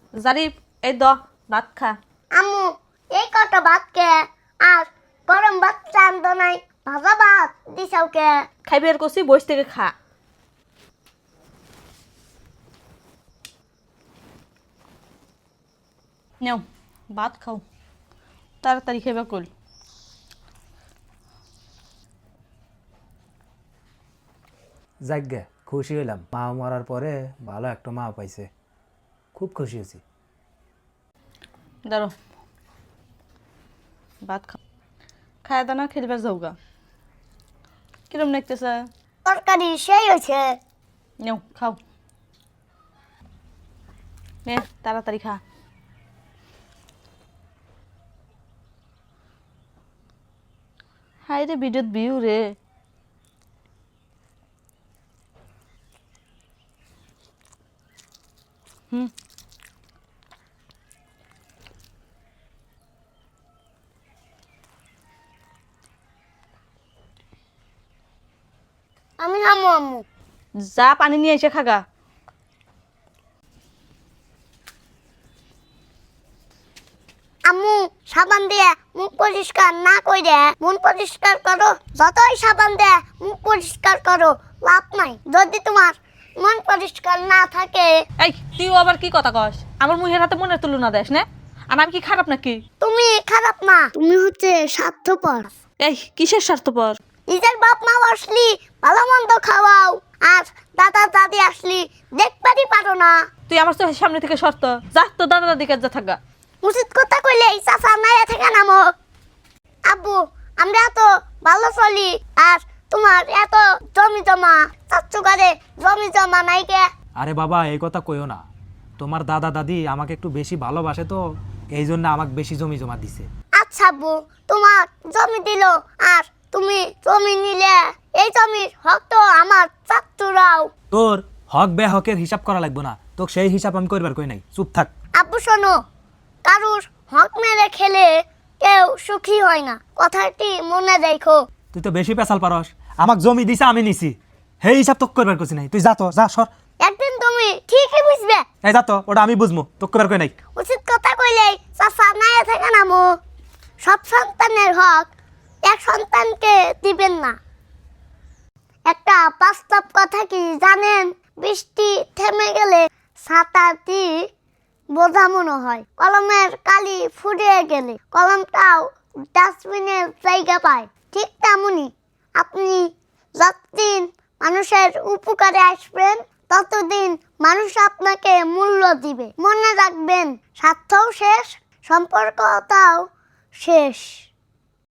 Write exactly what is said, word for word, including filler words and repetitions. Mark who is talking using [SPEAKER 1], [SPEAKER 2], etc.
[SPEAKER 1] জারিফ এই দ ভাত খা।
[SPEAKER 2] আম্মু এই কটা ভাত কে আর গরম ভাত চান্দ নাই ভাজা ভাত দিছাও কে?
[SPEAKER 1] খাইবে আর কষি বইস থেকে খা। নেও ভাত খাও, তাড়াতাড়ি খাইবা কল।
[SPEAKER 3] যাগ্যা খুশি হইলাম, মা মরার পরে ভালো একটা মা পাইছে, খুব খুশি হয়েছি।
[SPEAKER 1] দাঁড়ো ভাত খাও, খায় দানা খেলবার যাওগা। কিরম দেখতেছে?
[SPEAKER 2] তরকারি সেই হয়েছে।
[SPEAKER 1] নেও খাও, নে তাড়াতাড়ি খা। হাই রে বিদ্যুৎ বিউ রে। হুম
[SPEAKER 2] আমি খামো আম্মু।
[SPEAKER 1] যা পানি নিয়ে এসে খাগা।
[SPEAKER 2] আম্মু সাবান দিয়ে মুখ পরিষ্কার না কইরে মন পরিষ্কার করো। যতই সাবান দিয়ে মুখ পরিষ্কার করো লাভ নাই যদি তোমার মন পরিষ্কার না থাকে।
[SPEAKER 1] এই তুই আবার কি কথা কস? আমার মুখের হাতে মনের তুলনা দেশ না? আর আমি কি খারাপ নাকি?
[SPEAKER 2] তুমি খারাপ না, তুমি হচ্ছে স্বার্থপর।
[SPEAKER 1] এই কিসের স্বার্থপর?
[SPEAKER 2] নিজের বাপ মা আসলি ভালো মন্দ খাওয়াও, আর দাদা দাদি আসলি দেখবারই পারো না।
[SPEAKER 1] তুই আমার চোখের সামনে থেকে সরত যা, তো দাদা দাদি কাছে যা থাকা।
[SPEAKER 2] উচিত কথা কইলে চাচা নাইয়া থেকে নামো। আব্বু আমরা তো ভালো চলি, আর তোমার এত জমি জমা চাচ্চু করে জমি জমা নাই কে?
[SPEAKER 3] আরে বাবা এই কথা কইও না, তোমার দাদা দাদি আমাকে একটু বেশি ভালোবাসে তো এই জন্য আমাকে বেশি জমি জমা দিছে।
[SPEAKER 2] আচ্ছা আব্বু তোমার জমি দিল আর তুমি জমি নিলে, এই জমির হক তো আমার চাচ্চুরাও।
[SPEAKER 3] তোর হক বে হকের হিসাব করা লাগবে না, তোকে সেই হিসাব আমি করবার কই নাই, চুপ থাক।
[SPEAKER 2] আব্বু শোনো, কারুর হক মেরে খেলে কেউ সুখী হয় না, কথাটি মনে রেখো।
[SPEAKER 3] তুই তো বেশি পেশাল পারস, আমাকে জমি দিছে আমি নিছি, সেই হিসাব তোকে করবার কইছি নাই। তুই যা তো যা সর।
[SPEAKER 2] একদিন তুমি ঠিকই বুঝবে।
[SPEAKER 3] এই যা তো, ওটা আমি বুঝবো, তোকে করবার কই নাই।
[SPEAKER 2] উচিত কথা কইলেই চাচা নাইয়া থেকে নামো। সব সন্তানের হক এক সন্তানকে দিবেন না। একটা বাস্তব কথা কি জানেন? বৃষ্টি থেমে গেলে ছাতাটি বোঝা মনে হয়, কলমের কালি ফুরিয়ে গেলে কলমটাও ডাস্টবিনের জায়গা পায়। ঠিক তেমনি আপনি যতদিন মানুষের উপকারে আসবেন ততদিন মানুষ আপনাকে মূল্য দিবে। মনে রাখবেন স্বার্থও শেষ, সম্পর্কটাও শেষ।